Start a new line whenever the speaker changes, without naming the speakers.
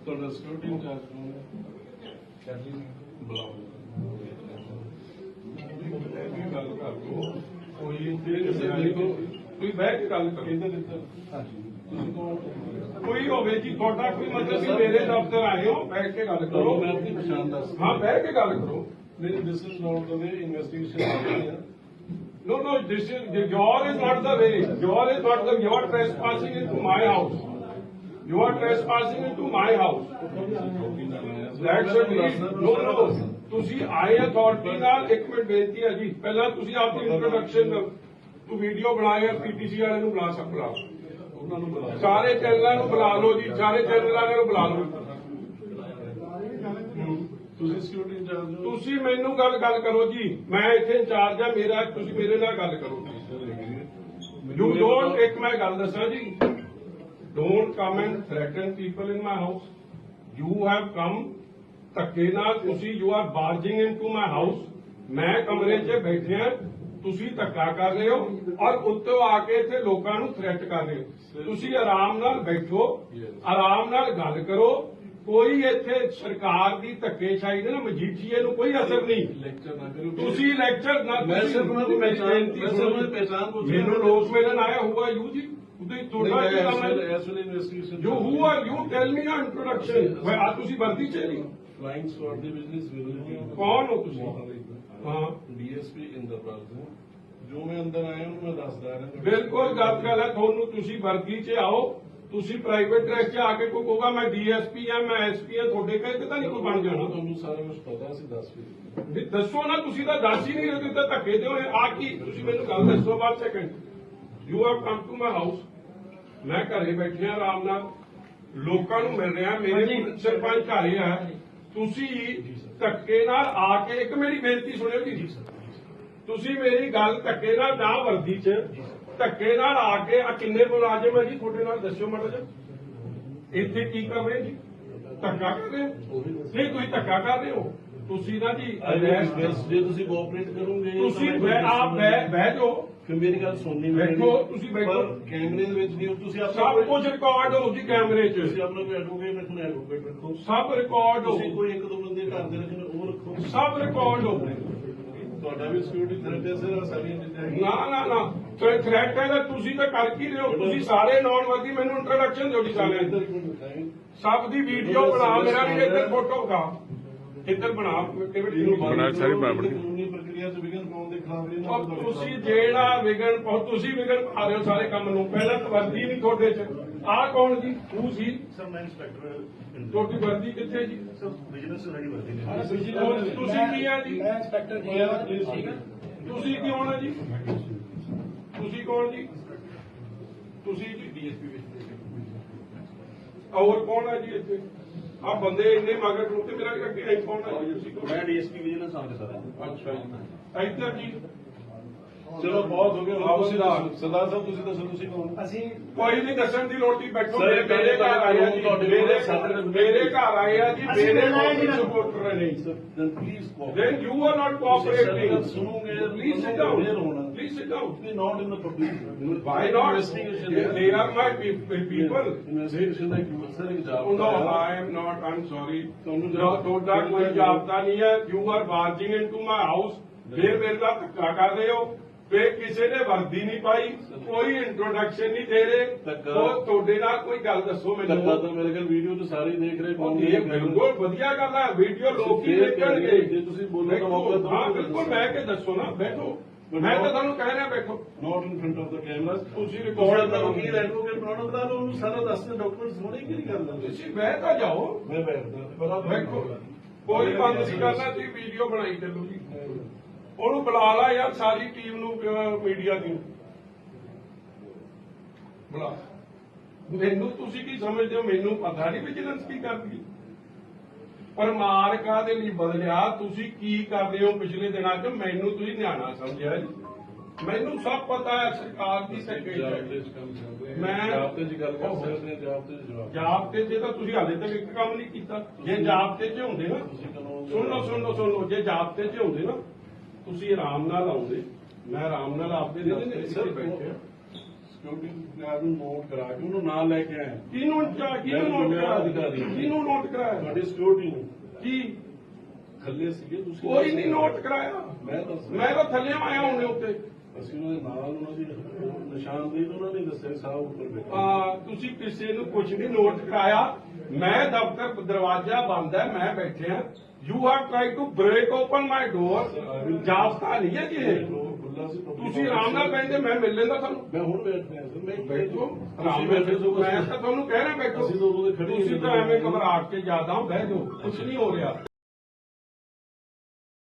ਤੁਹਾਡਾ security incharge ਕੌਣ ਹੈ? ਬੁਲਾਓ ਗੱਲ ਕਰ ਲਓ ਕੋਈ ਤੁਸੀਂ ਬਹਿ ਕੇ ਗੱਲ ਕਰੋ ਇਹਦੇ ਵਿੱਚ ਕੋਈ ਹੋਵੇ ਜੀ ਤੁਹਾਡਾ ਕੋਈ ਮਤਲਬ ਵੀ ਮੇਰੇ ਦਫ਼ਤਰ ਆਏ ਹੋ ਬੈਠ ਕੇ ਗੱਲ ਕਰੋ ਮੈਂ ਆਪਣੀ ਪਛਾਣ ਦੱਸ ਹਾਂ ਬਹਿ ਕੇ ਗੱਲ ਕਰੋ ਨਹੀਂ this is not the way investigation No, this is your is not the way. Your is not the. You are trespassing into my house. You are trespassing into my house. That's a no. ਤੁਸੀਂ ਆਏ authority ਨਾਲ ਇੱਕ minute ਬੇਨਤੀ ਹੈ ਜੀ ਪਹਿਲਾਂ ਤੁਸੀਂ ਆਪਣੀ ਇੰਟਰੋਡਕਸ਼ਨ ਤੂੰ ਵੀਡੀਓ ਬਣਾਇਆ ਪੀਟੀਸੀ ਵਾਲਿਆਂ ਨੂੰ ਬੁਲਾ ਸਕਦਾ ਉਹਨਾਂ ਨੂੰ ਬੁਲਾ ਸਾਰੇ ਚੈਨਲਾਂ ਨੂੰ ਬੁਲਾ ਲਓ ਜੀ ਸਾਰੇ ਚੈਨਲ ਵਾਲਿਆਂ ਨੂੰ ਬੁਲਾ ਲਓ ਤੁਸੀਂ ਸਿਕਿਉਰਿਟੀ ਇੰਚਾਰਜ ਹੋ ਤੁਸੀਂ ਮੈਨੂੰ ਗੱਲ ਕਰੋ ਜੀ ਮੈਂ ਇੱਥੇ ਇੰਚਾਰਜ ਆ ਮੇਰਾ ਤੁਸੀਂ ਮੇਰੇ ਨਾਲ ਗੱਲ ਕਰੋ ਯੂ ਡੋਂਟ ਇੱਕ ਮੈਂ ਗੱਲ ਦੱਸਾਂ ਜੀ don't come and threaten people in my house you have come ਧੱਕੇ ਨਾਲ ਤੁਸੀਂ you are barging into my house ਮੈਂ ਕਮਰੇ 'ਚ ਬੈਠਿਆ ਤੁਸੀਂ ਧੱਕਾ ਕਰ ਰਹੇ ਹੋ ਔਰ ਉੱਤੋਂ ਆ ਕੇ ਇੱਥੇ ਲੋਕਾਂ ਨੂੰ ਥ੍ਰੈਟ ਕਰ ਰਹੇ ਹੋ ਤੁਸੀਂ ਆਰਾਮ ਨਾਲ ਬੈਠੋ ਆਰਾਮ ਨਾਲ ਗੱਲ ਕਰੋ ਕੋਈ ਇੱਥੇ ਸਰਕਾਰ ਦੀ ਧੱਕੇਸ਼ਾਹੀ ਦੇ ਨਾ ਮਜੀਠੀਏ ਨੂੰ ਕੋਈ ਅਸਰ ਨਹੀਂ ਤੁਸੀਂ ਲੈਕਚਰ ਨਾ ਮੈਨੂੰ ਲੋਕ ਮਿਲਣ ਆਇਆ ਹੋਊਗਾ ਯੂ ਜੀ you who are you tell me ਨਾ ਇੰਟਰੋਡਕਸ਼ਨ ਆ ਤੁਸੀਂ ਵਰਦੀ ਚ ਨਹੀਂ ਕਲਾਇੰਟਸ ਫॉर द बिजनेस ਕੌਣ ਹੋ ਤੁਸੀਂ ਹਾਂ ਡੀਐਸਪੀ ਇੰਦਰਪਾਲ ਸਿੰਘ ਜੋ ਮੈਂ ਅੰਦਰ ਆਇਆ ਉਹਨੂੰ ਮੈਂ ਦੱਸਦਾ ਰਿਹਾ ਬਿਲਕੁਲ ਗੱਲ ਹੈ ਤੁਹਾਨੂੰ ਤੁਸੀਂ ਵਰਦੀ ਚ ਆਓ ਤੁਸੀਂ ਪ੍ਰਾਈਵੇਟ ਡਰੈਸ 'ਚ ਆ ਕੇ ਕੋਈ ਕਹੂਗਾ ਮੈਂ ਡੀਐਸਪੀ ਆ ਮੈਂ ਐਸਪੀ ਆ ਤੁਹਾਡੇ ਕਹੇ ਤਾਂ ਨਹੀਂ ਕੋਈ ਬਣ ਜਾਣਾ ਤੁਹਾਨੂੰ ਸਾਰਾ ਕੁਝ ਪਤਾ ਸੀ ਦੱਸੋ ਨਾ ਤੁਸੀਂ ਤਾਂ ਦੱਸ ਹੀ ਨਹੀਂ ਰਹੇ ਤੁਸੀਂ ਤਾਂ ਧੱਕੇ ਦਿਓ ਆ ਕੀ ਤੁਸੀਂ ਮੈਨੂੰ ਗੱਲ ਦੱਸੋ ਬਾਅਦ second you have come to my house ਮੈਂ ਘਰੇ ਬੈਠਿਆ ਆਰਾਮ ਨਾਲ ਲੋਕਾਂ ਨੂੰ ਮਿਲ ਰਿਹਾ ਮੇਰੇ ਸਰਪੰਚ ਘਰੇ ਆ ਤੁਸੀਂ ਧੱਕੇ ਨਾਲ ਆ ਕੇ ਇੱਕ ਮੇਰੀ ਬੇਨਤੀ ਸੁਣਿਓ ਜੀ ਤੁਸੀਂ ਮੇਰੀ ਗੱਲ ਧੱਕੇ ਨਾਲ ਨਾ ਵਰਦੀ 'ਚ ਧੱਕੇ ਨਾਲ ਆ ਕੇ ਆ ਕਿੰਨੇ ਮੁਲਾਜ਼ਮ ਹੈ ਜੀ ਤੁਹਾਡੇ ਨਾਲ ਦੱਸਿਓ ਮਾੜਾ ਜਿਹਾ ਇੱਥੇ ਕੀ ਕਰ ਰਹੇ ਜੀ ਧੱਕਾ ਕਰ ਰਹੇ ਹੋ ਨਹੀਂ ਤੁਸੀਂ ਧੱਕਾ ਕਰ ਰਹੇ ਹੋ ਤੁਸੀਂ ਨਾ ਜੀ ਜੇ ਤੁਸੀਂ ਕੋਆਪਰੇਟ ਕਰੋਗੇ ਤੁਸੀਂ ਆਪ ਬਹਿ ਜਾਓ ਫਿਰ ਮੇਰੀ ਗੱਲ ਸੁਣਨੀ ਬੈਠੋ ਤੁਸੀਂ ਬੈਠੋ ਕੈਮਰੇ ਦੇ ਵਿੱਚ ਨਹੀਂ ਤੁਸੀਂ ਸਭ ਕੁਝ ਰਿਕਾਰਡ ਹੋ ਜੀ ਕੈਮਰੇ 'ਚ ਤੁਸੀਂ ਆਪਣਾ ਕੋਈ ਐਡਵੋਕੇਟ ਰੱਖਣਾ ਐਡਵੋਕੇਟ ਰੱਖੋ ਸਭ ਰਿਕਾਰਡ ਹੋ ਤੁਸੀਂ ਕੋਈ ਇੱਕ ਦੋ ਬੰਦੇ ਘਰ ਦੇ ਰੱਖਣੇ ਉਹ ਰੱਖੋ ਸਭ ਰਿਕਾਰਡ ਹੋ ਤੁਹਾਡਾ ਵੀ ਸਿਕਿਉਰਿਟੀ ਥ੍ਰੈਟ ਹੈ ਸਰ ਸਾਰੀਆਂ ਚੀਜ਼ਾਂ ਨਾ ਥ੍ਰੈਟ ਹੈ ਤਾਂ ਤੁਸੀਂ ਤਾਂ ਕਰ ਕੀ ਰਹੇ ਹੋ ਤੁਸੀਂ ਸਾਰੇ ਨੌਨ ਵਰਦੀ ਮੈਨੂੰ ਇੰਟਰੋਡਕਸ਼ਨ ਦਿਓ ਜੀ ਸਾਰੇ ਸਭ ਦੀ ਵੀਡੀਓ ਬਣਾ ਮੇਰਾ ਵੀ ਇੱਧਰ ਫੋਟੋ ਕਾ ਇੱਧਰ ਬਣਾ ਸਾਰੀ ਕਾਨੂੰਨੀ ਪ੍ਰਕਿਰਿਆ ਚ ਵਿਘਨ ਪਾਉਣ ਦੇ ਖਿਲਾਫ ਤੁਸੀਂ ਜਿਹੜਾ ਵਿਘਨ ਤੁਸੀਂ ਵਿਘਨ ਪਾ ਰਹੇ ਹੋ ਸਾਰੇ ਕੰਮ ਨੂੰ ਪਹਿਲਾਂ ਤਾਂ ਵਰਦੀ ਨਹੀਂ ਤੁਹਾਡੇ ਚ ਆਹ ਕੌਣ ਜੀ ਤੂੰ ਸੀ
ਸਰ ਮੈਂ ਇੰਸਪੈਕਟਰ
ਤੁਹਾਡੀ ਵਰਦੀ ਕਿੱਥੇ ਜੀ
ਸਰ ਬਿਜ਼ਨਸ ਸਾਡੀ ਵਰਦੀ ਨੇ
ਤੁਸੀਂ ਕੀ ਆ ਜੀ
ਮੈਂ ਇੰਸਪੈਕਟਰ ਜੀ
ਤੁਸੀਂ ਕੀ ਹੋਣਾ ਜੀ ਤੁਸੀਂ ਕੌਣ ਜੀ ਤੁਸੀਂ ਜੀ ਡੀਐਸਪੀ ਵਿੱਚ ਹੋਰ ਕੌਣ ਹੈ ਜੀ ਇੱਥੇ ਆ ਬੰਦੇ ਇੰਨੇ ਮਗਰ ਨੂੰ ਤੇ ਮੇਰਾ ਅੱਗੇ ਕੌਣ ਹੈ ਜੀ ਤੁਸੀਂ
ਮੈਂ ਡੀਐਸਪੀ ਵਿਜੀਲੈਂਸ ਆਫਿਸਰ ਸਰ
ਅੱਛਾ ਜੀ ਇੱਧਰ ਜੀ ਚਲੋ ਬਹੁਤ ਹੋ ਗਿਆ ਸਰਦਾਰ ਸਾਹਿਬ ਤੁਸੀਂ ਦੱਸੋ ਤੁਸੀਂ ਕੌਣ
ਅਸੀਂ
ਕੋਈ ਨਹੀਂ ਦੱਸਣ ਦੀ ਲੋੜ ਨਹੀਂ ਬੈਠੋ ਮੇਰੇ ਘਰ ਆਇਆ ਜੀ ਮੇਰੇ ਘਰ ਆਇਆ ਜੀ ਮੇਰੇ ਸਪੋਰਟਰ ਨੇ
please
then you are not cooperating
ਸੁਣੋਗੇ
please sit down
we not in the public
why not they are my people
investigation ਦਾ ਸਰ
no I'm sorry ਤੁਹਾਡਾ ਕੋਈ ਜਾਬਤਾ ਨਹੀਂ ਹੈ you are barging into my house ਫਿਰ ਮੇਰੇ ਨਾਲ ਧੱਕਾ ਕਰ ਰਹੇ ਹੋ ਫਿਰ ਕਿਸੇ ਨੇ ਵਰਦੀ ਨਹੀਂ ਪਾਈ ਕੋਈ ਇੰਟਰੋਡਕਸ਼ਨ ਨਹੀਂ ਦੇ ਰਹੇ ਉਹ ਤੁਹਾਡੇ ਨਾਲ ਕੋਈ ਗੱਲ ਦੱਸੋ ਮੈਨੂੰ
ਧੱਕਾ ਤਾਂ ਮੇਰੇ ਕੋਲ ਵੀਡੀਓ ਤੇ ਸਾਰੇ ਦੇਖ ਰਹੇ
ਬਿਲਕੁਲ ਵਧੀਆ ਗੱਲ ਹੈ ਵੀਡੀਓ ਲੋਕੀ ਦੇਖਣਗੇ
ਜੇ ਤੁਸੀਂ ਬੋਲੋ ਤਾਂ ਮੌਕਾ ਦਿਓ
ਹਾਂ ਬਿਲਕੁਲ ਬਹਿ ਕੇ ਦੱਸੋ ਨਾ ਬੈਠੋ ਮੈਂ ਤਾਂ ਤੁਹਾਨੂੰ ਕਹਿ ਰਿਹਾ ਬੈਠੋ
not in front of the camera
ਤੁਸੀਂ ਰਿਕਾਰਡ ਕਰੋ
ਕੀ ਐਡਵੋਕੇਟ ਬਣਾਉਣਾ ਬਣਾ ਲਓ ਉਹਨੂੰ ਸਾਰਾ ਦੱਸਦੇ ਡਾਕੂਮੈਂਟਸ ਹੋਣੇ ਕਿ ਨਹੀਂ ਕਰਦਾ
ਤੁਸੀਂ ਬਹਿ ਤਾਂ ਜਾਓ
ਮੈਂ ਬੈਠਦਾ
ਬੈਠੋ ਕੋਈ ਬੰਦ ਨਹੀਂ ਕਰਨਾ ਤੁਸੀਂ ਵੀਡੀਓ ਬਣਾਈ ਚੱਲੋ ਜੀ ਉਹਨੂੰ ਬੁਲਾ ਲਾ ਯਾਰ ਸਾਰੀ ਟੀਮ ਨੂੰ ਮੀਡੀਆ ਦੀ ਬੁਲਾ ਮੈਨੂੰ ਤੁਸੀਂ ਕੀ ਸਮਝਦੇ ਹੋ ਮੈਨੂੰ ਪਤਾ ਨਹੀਂ ਵਿਜੀਲੈਂਸ ਕੀ ਕਰਦੀ ਪਰ ਮਾਰਕਾ ਦੇ ਲਈ ਬਦਲਿਆ ਤੁਸੀਂ ਕੀ ਕਰ ਰਹੇ ਹੋ ਪਿਛਲੇ ਦਿਨਾਂ 'ਚ ਮੈਨੂੰ ਤੁਸੀਂ ਨਿਆਣਾ ਸਮਝਿਆ ਜੀ ਮੈਨੂੰ ਸਭ ਪਤਾ ਹੈ ਸਰਕਾਰ ਦੀ ਮੈਂ
ਜਾਬਤੇ ਦੀ ਗੱਲ ਕਰ ਸਕਦੇ ਹਾਂ
ਜਾਬਤੇ 'ਚ ਤਾਂ ਤੁਸੀਂ ਹਾਲੇ ਤੱਕ ਇੱਕ ਕੰਮ ਨਹੀਂ ਕੀਤਾ ਜੇ ਜਾਬਤੇ 'ਚ ਹੁੰਦੇ ਨਾ ਸੁਣੋ ਜੇ ਜਾਬਤੇ 'ਚ ਹੁੰਦੇ ਨਾ ਤੁਸੀਂ ਆਰਾਮ ਨਾਲ ਆਉਂਦੇ ਮੈਂ ਆਰਾਮ ਨਾਲ ਆਪਦੇ ਦਫ਼ਤਰ 'ਚ ਬੈਠੇ
ਸਿਕਿਉਰਿਟੀ ਗਾਰਡ ਨੂੰ ਨੋਟ ਕਰਾ ਕੇ ਉਹਨੂੰ ਨਾਲ ਲੈ ਕੇ ਆਇਆ
ਕਿਹਨੂੰ ਨੋਟ ਕਰਾਇਆ? ਕਿਹਨੂੰ ਨੋਟ ਕਰਾਇਆ?
ਤੁਹਾਡੀ ਸਿਕਿਉਰਿਟੀ ਨੂੰ
ਕੀ
ਥੱਲੇ ਸੀਗੇ ਤੁਸੀਂ
ਕੋਈ ਨਹੀਂ ਨੋਟ ਕਰਾਇਆ। ਮੈਂ ਤਾਂ ਥੱਲੇ ਆਇਆ ਹੁਣੇ ਉੱਤੇ।
ਅਸੀਂ ਉਹਦੇ ਨਾਲ ਉਹਨਾਂ ਦੀ ਨਿਸ਼ਾਨਦੇਹੀ ਤੋਂ ਉਹਨਾਂ ਨੇ ਦੱਸਿਆ ਸਾਹਿਬ ਉੱਪਰ ਬੈਠੇ।
ਤੁਸੀਂ ਕਿਸੇ ਨੂੰ ਕੁਝ ਨਹੀਂ ਨੋਟ ਕਰਾਇਆ। ਮੈਂ ਦਫ਼ਤਰ ਦਰਵਾਜ਼ਾ ਬੰਦ ਹੈ, ਮੈਂ ਬੈਠਿਆ। You have try to break open my door. ਜਾਬਤਾ ਨਹੀਂ ਹੈ ਕਿ ਇਹ ਤੁਸੀਂ ਆਰਾਮ ਨਾਲ ਬੈਠੇ, ਮੈਂ ਮਿਲ ਲੈਂਦਾ ਤੁਹਾਨੂੰ।
ਮੈਂ ਹੁਣ ਬੈਠ ਰਿਹਾ ਸਰ, ਮੈਂ
ਬੈਠੋ ਆਰਾਮ ਨਾਲ ਬੈਠੋ। ਮੈਂ ਤਾਂ ਤੁਹਾਨੂੰ ਕਹਿ ਰਿਹਾ ਬੈਠੋ।
ਅਸੀਂ ਤਾਂ ਉਦੋਂ ਦੇ ਖੜੇ
ਤੁਸੀਂ ਤਾਂ ਐਵੇਂ ਘਬਰਾਹਟ ਕੇ ਜ਼ਿਆਦਾ ਬਹਿ ਜਾਓ, ਕੁਝ ਨਹੀਂ ਹੋ ਰਿਹਾ।